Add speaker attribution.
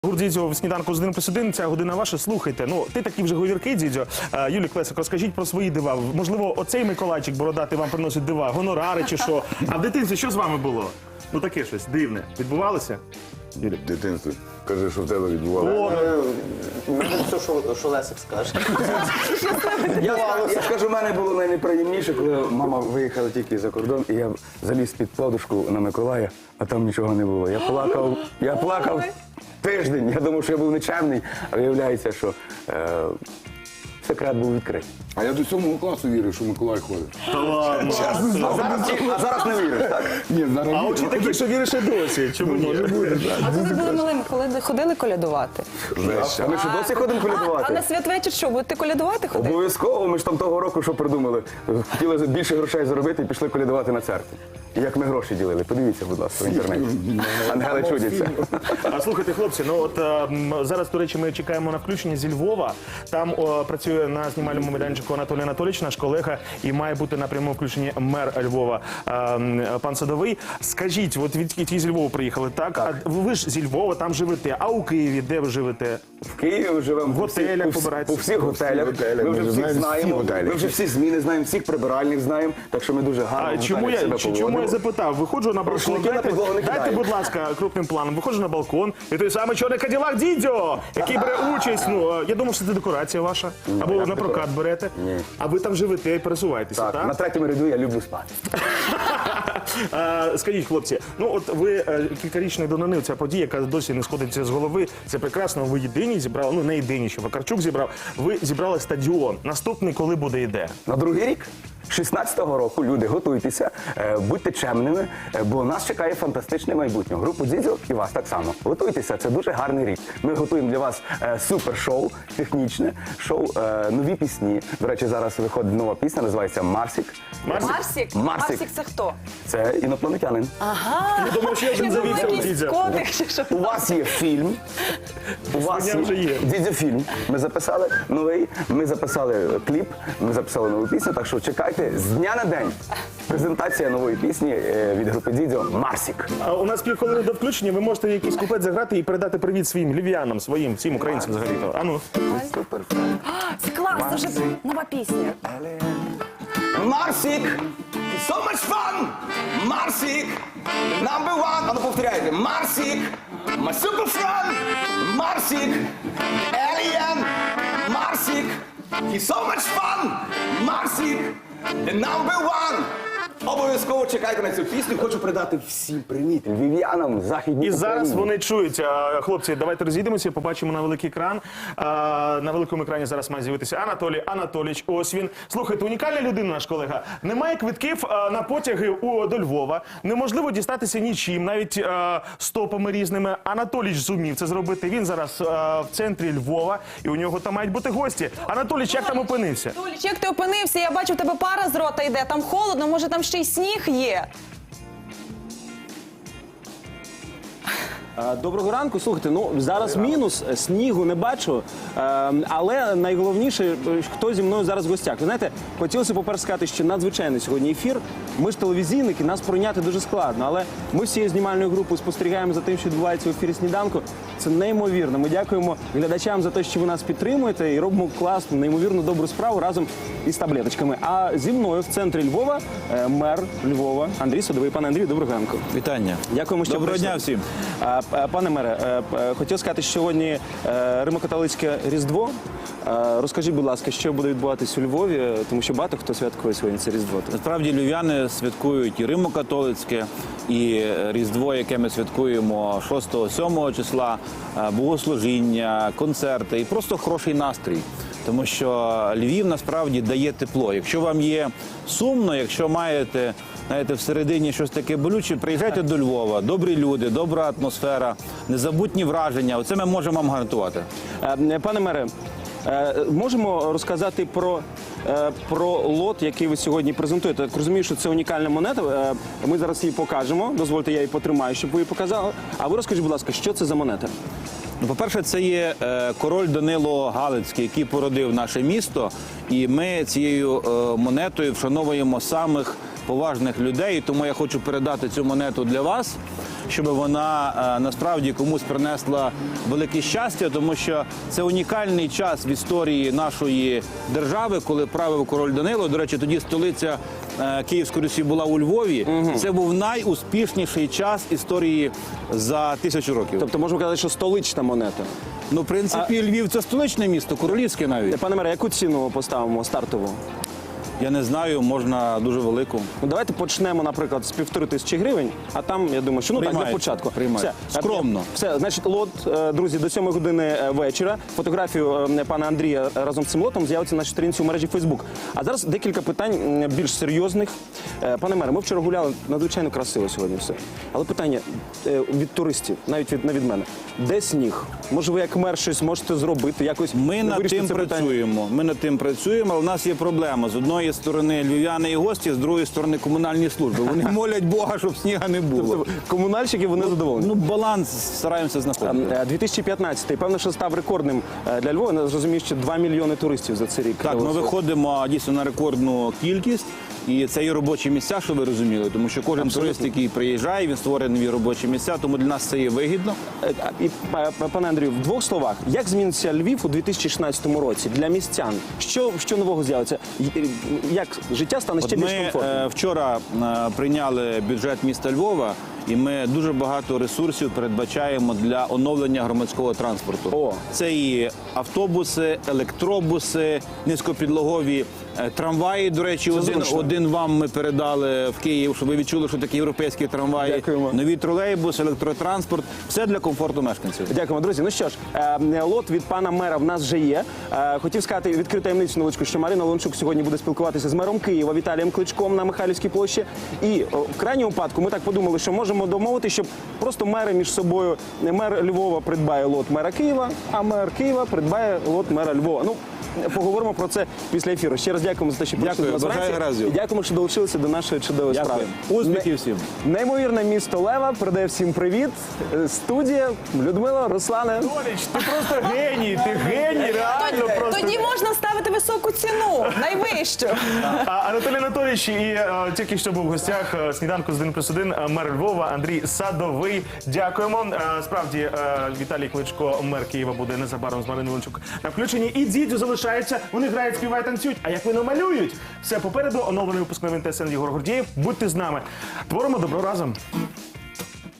Speaker 1: Гурт Дідзьо в сніданку з 1+1, ця година ваша, слухайте. Ну, ти такий вже говіркий, Дідзьо. Юлій Клесик, розкажіть про свої дива. Можливо, оцей Миколайчик бородатий вам приносить дива, гонорари чи що. А в дитинстві що з вами було? Ну таке щось дивне. Відбувалося?
Speaker 2: Юлі? В дитинстві. Кажи, що в тебе відбувалося.
Speaker 3: Все, що Лесик скаже.
Speaker 4: Я скажу, в мене було найнеприємніше, коли мама виїхала тільки за кордон, і я заліз під подушку на Миколая, а там нічого не було. Я плакав тиждень. Я думав, що я був нечемний, а виявляється, що секрет був відкритий.
Speaker 2: А я до 7 класу вірив, що Миколай ходить.
Speaker 1: Та ладно.
Speaker 4: А зараз не вірю, так?
Speaker 2: Ні, зараз
Speaker 1: А очі такі, що віриш і досі. Чому ні?
Speaker 5: А коли були малими, коли ходили колядувати?
Speaker 4: А ми що досі ходимо
Speaker 5: А
Speaker 4: колядувати?
Speaker 5: на святвечір що, будете колядувати ходити?
Speaker 4: Обов'язково, ми ж там того року що придумали? Хотіли більше грошей заробити і пішли колядувати на церкві. І як ми гроші ділили, подивіться, будь ласка, в інтернеті. Ангели чудяться.
Speaker 1: А слухайте, хлопці, ну от зараз, до речі, ми чекаємо на включення зі Львова. Там працює на знімальному майданчику Анатолій Анатолійович, наш колега, і має бути на прямому включенні мер Львова пан Садовий. Скажіть, от від з Львова приїхали, так? А ви ж зі Львова там живете, а у Києві де ви живете?
Speaker 4: В Києві ми живемо
Speaker 1: В готелях
Speaker 4: по
Speaker 1: побираєтеся?
Speaker 4: всіх готелях.
Speaker 2: готелях.
Speaker 4: Ми вже
Speaker 2: Ми
Speaker 4: всіх
Speaker 2: знаємо всі
Speaker 4: знаємо,
Speaker 2: готелі.
Speaker 4: ми вже всі зміни знаємо, всіх прибиральних знаємо, так що ми дуже гарно
Speaker 1: А
Speaker 4: в
Speaker 1: чому
Speaker 4: готелях себе
Speaker 1: чому я
Speaker 4: поводимо.
Speaker 1: запитав? Виходжу на балкон,
Speaker 4: Рушники на підлогу не
Speaker 1: дайте,
Speaker 4: кидаємо.
Speaker 1: будь ласка, крупним планом. Виходжу на балкон, і той самий чорний Каділак Дідьо, який бере участь. Ну, я думав, що це декорація ваша. Або
Speaker 4: як
Speaker 1: на прокат
Speaker 4: декорація?
Speaker 1: берете.
Speaker 4: Ні.
Speaker 1: А ви там живете і пересуваєтеся,
Speaker 4: Так,
Speaker 1: так?
Speaker 4: на третьому ряду я люблю спати.
Speaker 1: Скажіть, хлопці, ну от ви кількарічної давнини, ця подія, яка досі не сходиться з голови, це прекрасно, ви єдині зібрали, ну не єдині, що Вакарчук зібрав, ви зібрали стадіон. Наступний коли буде йде?
Speaker 4: На другий рік, 16-го року, люди, готуйтеся, будьте чемними, бо нас чекає фантастичне майбутнє. Групу Дідзьо і вас так само. Готуйтеся, це дуже гарний рік. Ми готуємо для вас супер-шоу, технічне шоу, нові пісні. До речі, зараз виходить нова пісня, називається «Марсік».
Speaker 5: Марсік?
Speaker 4: Марсік.
Speaker 5: Це хто?
Speaker 4: Це інопланетянин.
Speaker 5: Ага.
Speaker 1: Я думав, що я вже
Speaker 5: Я думала,
Speaker 1: завівся у
Speaker 5: якийсь
Speaker 1: Дідзьо.
Speaker 5: котик чи що.
Speaker 4: У вас є фільм. У вас
Speaker 1: Свиня вже є.
Speaker 4: Дідзьо-фільм. Ми записали новий, ми записали кліп, ми записали нову пісню, так що чекайте з дня на день. Презентація нової пісні від групи Дідзьо «Марсік».
Speaker 1: А у нас півхвилини до включення, ви можете якийсь куплет заграти і передати привіт своїм львів'янам, своїм, всім українцям взагалі-то. А ну.
Speaker 4: Супер.
Speaker 5: Це клас, це вже нова пісня.
Speaker 4: Марсік! So much fun! Марсік! Number one! А ну повторяйте. Марсік! My super friend! Марсік! Alien! Марсік! He's so much fun! Марсік! The number one! Обов'язково чекайте на цю пісню. Хочу передати всім привіт львів'янам, західній
Speaker 1: І зараз
Speaker 4: Україні.
Speaker 1: вони чують. Хлопці, давайте розійдемося, побачимо на великий екран. На великому екрані зараз має з'явитися Анатолій Анатолійович. Ось він. Слухайте, унікальна людина, наш колега. Немає квитків на потяги до Львова. Неможливо дістатися нічим, навіть стопами різними. Анатолійович зумів це зробити. Він зараз в центрі Львова, і у нього там мають бути гості. Анатолійович, як там опинився?
Speaker 5: Толіч, як ти опинився? Я бачу, в тебе пара з рота йде, там холодно, може там ще й сніг є.
Speaker 3: Доброго ранку. Слухайте, ну зараз мінус, снігу не бачу, але найголовніше, хто зі мною зараз в гостях. Ви знаєте, хотілося, по-перше, сказати, що надзвичайний сьогодні ефір. Ми ж телевізійники, нас пройняти дуже складно, але ми всією знімальною групою спостерігаємо за тим, що відбувається в ефірі «Сніданку». Це неймовірно. Ми дякуємо глядачам за те, що ви нас підтримуєте і робимо класну, неймовірно добру справу разом із таблеточками. А зі мною в центрі Львова мер Львова Андрій Садовий. Пане Андрію, доброго ранку.
Speaker 6: Вітання.
Speaker 3: Дякуємо, що
Speaker 6: Доброго
Speaker 3: прийшли.
Speaker 6: дня всім.
Speaker 3: Пане мере, хотів сказати, що сьогодні Римо-католицьке Різдво. Розкажіть, будь ласка, що буде відбуватись у Львові, тому що багато хто святкує сьогодні це Різдво.
Speaker 6: Насправді львів'яни святкують і Римо-католицьке, і Різдво, яке ми святкуємо 6-7 числа, богослужіння, концерти і просто хороший настрій. Тому що Львів насправді дає тепло. Якщо вам є сумно, якщо маєте, знаєте, всередині щось таке болюче, приїжджайте до Львова. Добрі люди, добра атмосфера, незабутні враження. Оце ми можемо вам гарантувати.
Speaker 3: Пане мере, можемо розказати про лот, який ви сьогодні презентуєте? Так розумію, що це унікальна монета. Ми зараз її покажемо. Дозвольте, я її потримаю, щоб ви її показали. А ви розкажіть, будь ласка, що це за монета?
Speaker 6: Ну, по-перше, це є король Данило Галицький, який породив наше місто. І ми цією монетою вшановуємо самих поважних людей. Тому я хочу передати цю монету для вас, щоб вона насправді комусь принесла велике щастя, тому що це унікальний час в історії нашої держави, коли правив король Данило. До речі, тоді столиця Київської Русі була у Львові. Це був найуспішніший час історії за 1000 років.
Speaker 3: Тобто можемо казати, що столична монета.
Speaker 6: Ну, в принципі, Львів – це столичне місто, королівське навіть.
Speaker 3: Пане мере, яку ціну поставимо стартову?
Speaker 6: Я не знаю, можна дуже велику.
Speaker 3: Ну, давайте почнемо, наприклад, з 1500 гривень, а там, я думаю, що так, для
Speaker 6: Приймається,
Speaker 3: початку.
Speaker 6: приймається. Скромно.
Speaker 3: Все, значить, лот, друзі, до 7 години вечора. Фотографію пана Андрія разом з цим лотом з'явиться на нашій сторінці у мережі Фейсбук. А зараз декілька питань більш серйозних. Пане мере, ми вчора гуляли, надзвичайно красиво сьогодні все. Але питання від туристів, навіть не від мене. Де сніг? Може, ви як мер щось можете зробити? Якось
Speaker 6: Ми над
Speaker 3: вирішити
Speaker 6: тим
Speaker 3: це питання?
Speaker 6: працюємо. Ми над тим працюємо, але в нас є проблема. З одної сторони львів'яни і гості, з другої сторони комунальні служби. Вони молять Бога, щоб сніга не було.
Speaker 3: Тобто комунальщики, вони задоволені.
Speaker 6: Ну, баланс стараємося знаходити.
Speaker 3: 2015-й, певно, що став рекордним для Львова. Я зрозумів, що 2 мільйони туристів за цей рік.
Speaker 6: Так, ми виходимо дійсно на рекордну кількість. І це є робочі місця, що ви розуміли, тому що кожен турист, який приїжджає, він створює нові робочі місця, тому для нас це є вигідно.
Speaker 3: І, пане Андрію, в двох словах, як зміниться Львів у 2016 році для містян? Що нового з'явиться? Як життя стане ще
Speaker 6: От
Speaker 3: більш
Speaker 6: ми
Speaker 3: комфортним?
Speaker 6: вчора прийняли бюджет міста Львова, і ми дуже багато ресурсів передбачаємо для оновлення громадського транспорту.
Speaker 3: О.
Speaker 6: Це і автобуси, електробуси, низькопідлогові трамваї. До речі, один вам ми передали в Київ, щоб ви відчули, що такі європейські трамваї.
Speaker 3: Дякуємо.
Speaker 6: Нові тролейбуси, електротранспорт. Все для комфорту мешканців.
Speaker 3: Дякуємо, друзі. Ну що ж, лот від пана мера в нас вже є. Хотів сказати, відкрити таємницю невеличку, що Марина Леончук сьогодні буде спілкуватися з мером Києва Віталієм Кличком на Михайлівській площі. І в крайньому випадку ми так подумали, що можемо домовити, щоб просто мери між собою, мер Львова придбає лот мера Києва, а мер Києва придбає лот мера Львова. Ну, поговоримо про це після ефіру. Ще раз дякуємо за те, що прийшли
Speaker 6: Дякую,
Speaker 3: до нас
Speaker 6: бажаю
Speaker 3: вранці.
Speaker 6: гараздів.
Speaker 3: І дякуємо, що долучилися до нашої чудової
Speaker 6: Дякую.
Speaker 3: справи.
Speaker 6: Успіхів всім.
Speaker 3: Неймовірне місто Лева передає всім привіт. Студія Людмила, Руслане.
Speaker 1: Толіч, ти просто геній, ти геній, реально просто.
Speaker 5: Тоді можна ставити високу ціну, найвищу.
Speaker 1: Анатолій Анатолійович і тільки що був в гостях сніданку з 1+1 мер Львова Андрій Садовий. Дякуємо. Справді, Віталій Кличко, мер Києва, буде незабаром з Мариною Леончук на включенні. І Дзідзю залишається. Вони грають, співають, танцюють. А як вони малюють? Все попереду. Оновлений випуск новин ТСН Єгор Гордієв. Будьте з нами. Творимо добро разом.